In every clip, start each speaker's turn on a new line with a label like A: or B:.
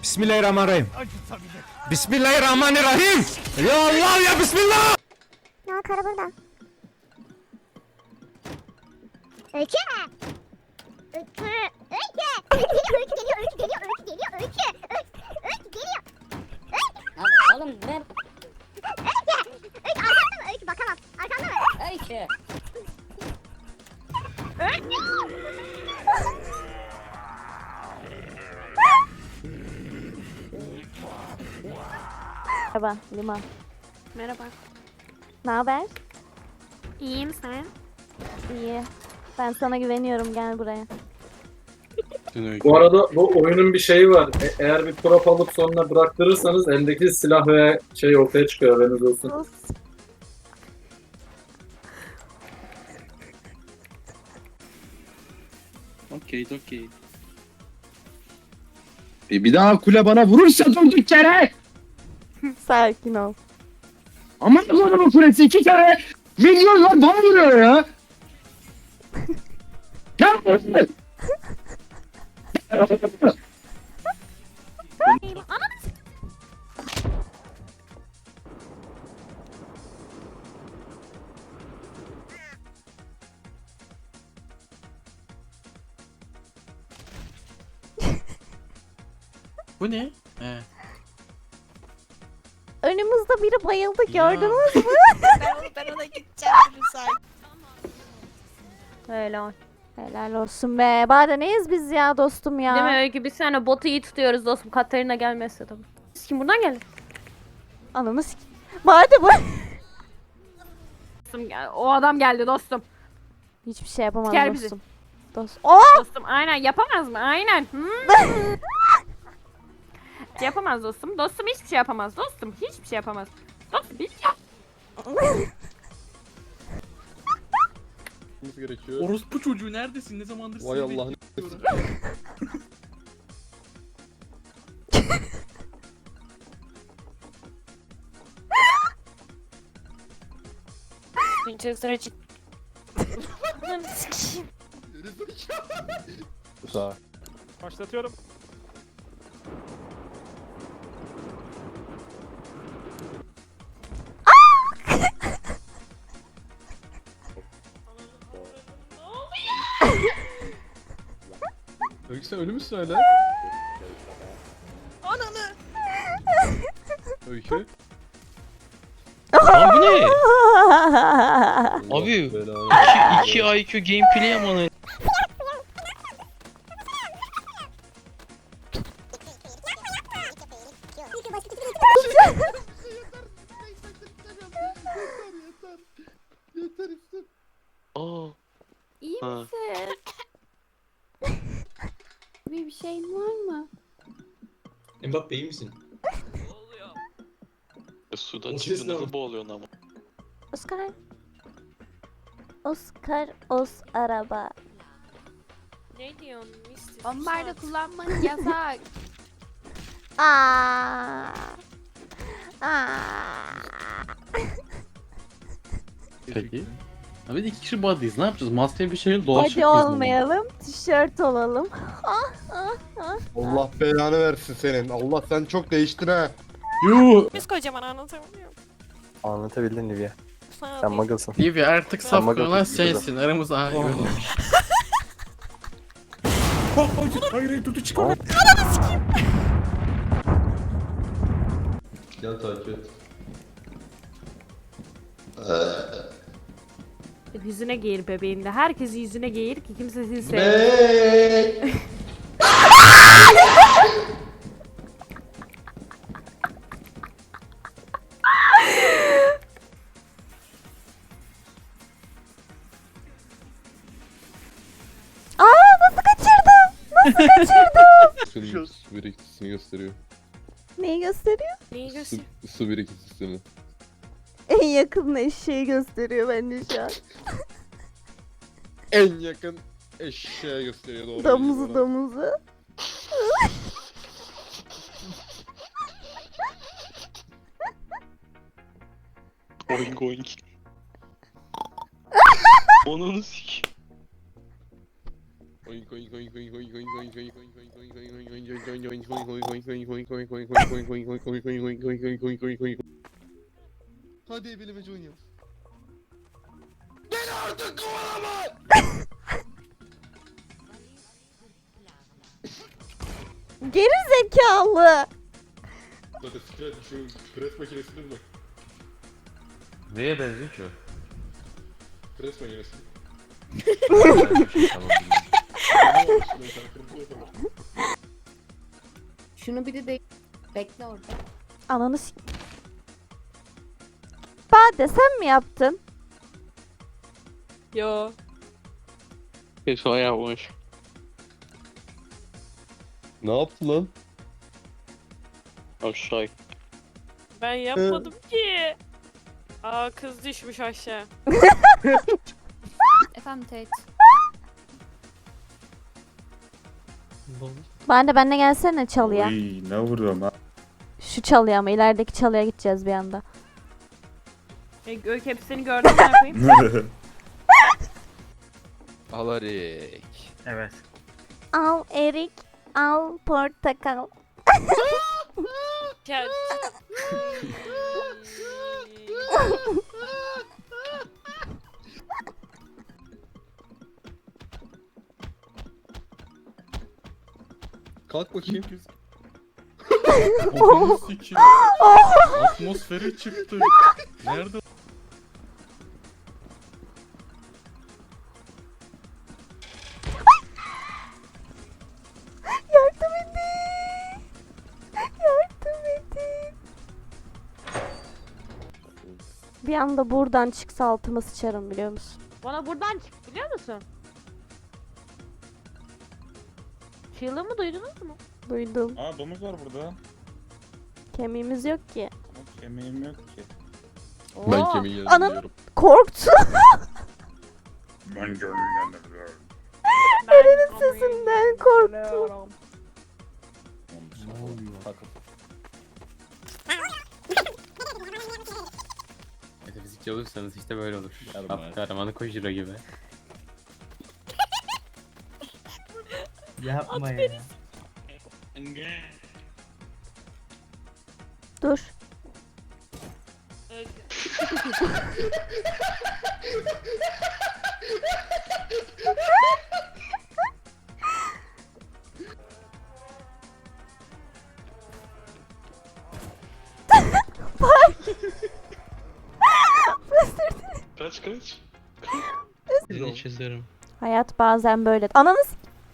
A: Bismillahirrahmanirrahim. Bismillahirrahmanirrahim. Ya Allah ya Bismillah.
B: Ya karı burada. Öykü. Öykü. Öykü. Öykü geliyor, öykü geliyor, öykü geliyor, öykü. Öykü geliyor.
C: Lan oğlum ne?
B: Öykü. Öykü arkanda mı? Öykü bakamam. Arkanda mı?
C: Öykü.
B: Öykü.
D: Merhaba Liman.
E: Merhaba.
D: Ne haber?
E: İyiyim sen?
D: İyi. Ben sana güveniyorum, gel buraya.
F: Bu arada bu oyunun bir şeyi var. Eğer bir prop alıp sonra bıraktırırsanız eldeki silah ve şey ortaya çıkıyor, haberiniz olsun.
G: Okey.
H: Bir daha kule bana vurursa durduk yere.
D: Sakin ol.
H: Aman Allah'ım, kulesi 2 kere milyonlar bana vuruyor ya. Ya.
G: Bu ne? He.
D: Önümüzde biri bayıldı, gördünüz mü?
E: Ben ona gideceğim müsait.
D: Helal. Helal olsun be. Bari neyiz biz ya dostum ya?
E: Değil mi Öykü? Biz seninle botu iyi tutuyoruz dostum. Katarina gelmezse tabii. Kim buradan geldi?
D: Ananı sik. Bari bu.
E: Dostum, o adam geldi dostum.
D: Hiçbir şey yapamaz
E: Siker bizi.
D: dostum. Oh!
E: Dostum aynen yapamaz mı? Aynen. Yapamaz dostum. Dostum hiçbir şey yapamaz. Dostum hiçbir şey yapamaz. Dostum hiç
H: Gerekiyor.
G: Orospu çocuğu neredesin? Ne zamandır
H: Vay
G: seni
H: Allah'ın
G: bekliyorum.
H: Sağ.
A: Başlatıyorum.
H: Öykü sen ölü müsün hala?
E: Ananı.
H: Öykü.
I: Lan bu ne? Abi,
H: Belanı.
I: 2 IQ gameplay ama Aa,
E: İyi
I: Ha.
E: misin? Bir şeyin var mı?
G: Mbappe iyi misin?
I: sudan
G: O
I: çıktı
G: ses ne
I: nasıl
G: abi?
I: boğuluyorsun ama.
D: Oscar. Oscar, os araba.
E: Ne diyorsun? Bombarda kullanmak yasak.
D: Aa. Aa.
H: Peki. Abi 2 kişi body'yiz. Ne yapacağız? Master bir şeyin dolaşacak
D: Hadi
H: mıyız bununla?
D: olmayalım, tişört olalım.
J: Allah belanı versin senin. Allah sen çok değiştin ha.
H: Yuh.
E: Biz kocaman anlatamıyorum.
J: Anlatabildin Livia.
E: Sana
J: Sen muggle'sın.
H: Livia artık
J: Sen
H: saf olan
J: bakalım.
H: sensin. Aramız ayrı olmuş.
G: Hayır tutu çıkar.
J: Gel takip et.
E: Yüzüne giyir bebeğinde. Herkes yüzüne giyir ki kimse seni
D: Aa, nasıl kaçırdım? Nasıl kaçırdım?
H: Su birikintisini gösteriyor.
D: Neyi gösteriyor?
E: Neyi göster?
H: Su birikintisini.
D: En yakın eşeği gösteriyor bence şu an.
H: En yakın eşeğe gösteriyor doğru.
D: Domuzu domuzu.
I: Oink oink. Onun sik.
H: Oink
J: Hadi ebelemeci oynayalım.
D: Geri zekalı.
J: Hadi şu pres makinesini mi?
H: Neye benziyor ki o?
J: Pres makinesi.
C: Şunu bir de bekle orada.
D: Ananı s... Bade sen mi yaptın?
E: Yo.
I: Kesin o yapmış.
J: Ne yaptın lan?
I: Aşağı.
E: Ben yapmadım ki. Aa kız düşmüş aşağı.
C: Efendim Tate.
D: Bade benle gelsene çalıya.
A: Uy, ne vuruyorum ha?
D: Şu çalıya ama ilerideki çalıya gideceğiz bir anda.
E: Öykü hepsini gördüm ne yapayım?
G: Alarik.
A: Evet.
D: Al erik, al portakal.
E: Ya.
J: Kalk bakayım.
H: Onu sikiyor. Atmosfere çıktı. Nerede?
D: Yardım edin. Yardım edin. Bir anda buradan çıksa altıma sıçarım biliyor musun?
E: Bana buradan çık biliyor musun? Çığlığımı duydunuz mu?
D: Duydum.
A: Aa domuz var burada.
D: Kemiğimiz yok ki.
A: Ama kemiğim yok ki.
H: Ben
E: Oo.
H: kemiği
D: Anam.
H: yazıyorum.
D: Korktu.
A: Ben gönlümden
D: Eren'in sesinden korktu.
H: Metafizikçi olursanız işte böyle olur. Kahramanı Kojiro gibi.
G: Yapma ya.
D: Dur.
I: Kaç. Seni çizerim.
D: Hayat bazen böyle. Ananız.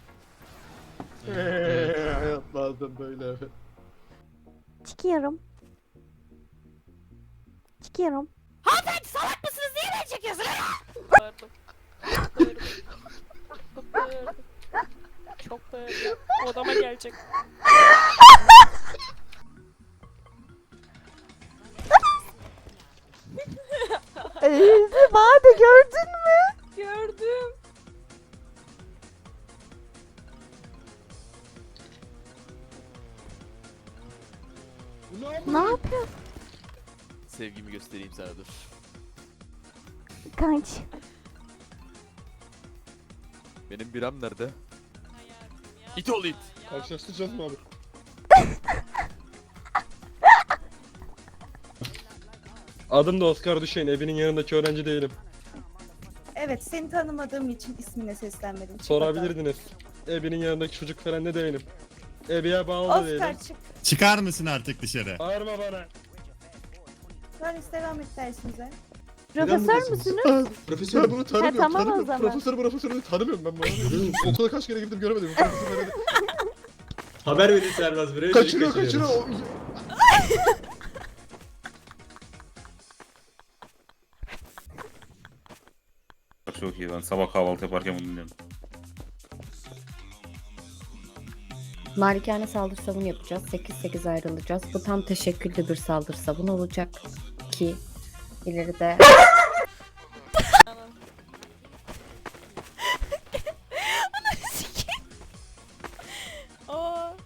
J: Hayat bazen böyle evet.
D: Çıkıyorum. Çıkıyorum.
E: Hanımefendi salak mısınız? Niye beni çekiyorsunuz? Bağırdım. Bağırdım. Bağırdım. Çok bağırdım. Odama gelecek.
D: Bade gördün mü?
E: Gördüm.
D: Ne yapıyor?
G: Sevgimi göstereyim sana dur.
D: Kaç.
G: Benim biram nerede? İt ol it.
J: Karşılaştıracağız mı abi? Adım da Oscar Düşen. Evinin yanındaki öğrenci değilim.
K: Evet, seni tanımadığım için ismine seslenmedim. Çık
J: Sorabilirdiniz. Evinin yanındaki çocuk falan ne değilim. Ebiye bağlı da
K: bakalım.
J: değilim.
K: Oscar çık.
A: Çıkar mısın artık dışarı?
J: Bağırma bana.
K: Paris devam et dersinize.
D: Profesör müsünüz?
J: Profesör bunu tanımıyorum.
D: tamam o
J: tanımıyorum.
D: zaman.
J: Profesörü tanımıyorum ben bunu. Okula kaç kere gittim göremedim. Profesör öyle-
G: Haber verin Servaz buraya.
J: Kaçırıyor.
A: Çok iyi lan. Sabah kahvaltı yaparken bunu dinliyorum.
C: Malikane saldırı savun yapacağız. 8-8 ayrılacağız. Bu tam teşekküllü bir saldırı savun olacak ki ileride
E: Aa.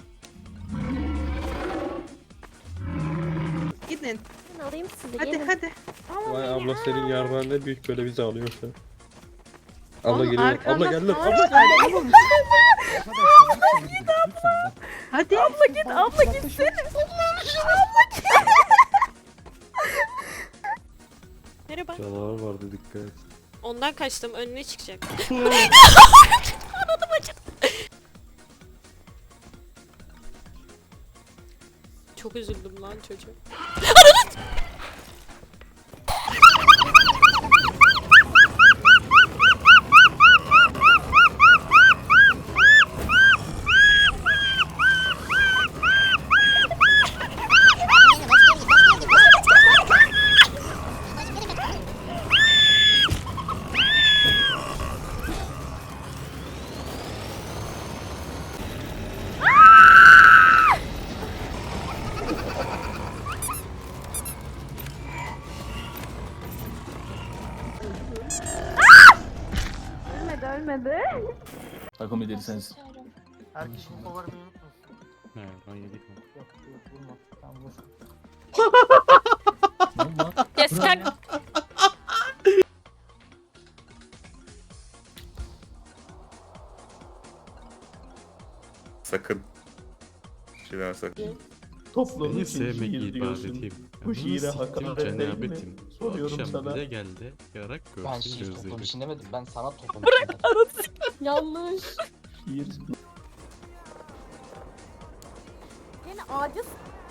K: Gidin.
D: Ben alayım sizi.
K: Hadi
D: gelin.
K: hadi.
J: Vay abla senin yarman ne büyük böyle bizi alıyorsun.
H: Abla geliyor. Abla geldi.
C: Hadi.
D: Abla gitsene.
L: Merhaba.
H: Canavar vardı dikkat et.
L: Ondan kaçtım. Önüne çıkacak. Çok üzüldüm lan çocuğa.
D: Ölmedi.
I: Takım lideri sensin.
H: Ne ben yedik mi?
L: Yes, kalk.
A: Sakın. Şeyler sakın.
I: Toplumun
G: Seni
I: için
G: sevmek
I: şiir diyorsun.
G: ibadetim.
I: Bu şiire
G: Bunu siktim
I: hakaret değil mi?
G: cenabetim. Bu
I: Soruyorum
G: akşam
I: sana.
G: bize geldi. Yarak
I: Ben
G: görsün
I: şiir toplum
G: gözlerim.
I: için demedim. Ben sana toplum
L: Yanlış.
I: Şiir
D: Yani ağaca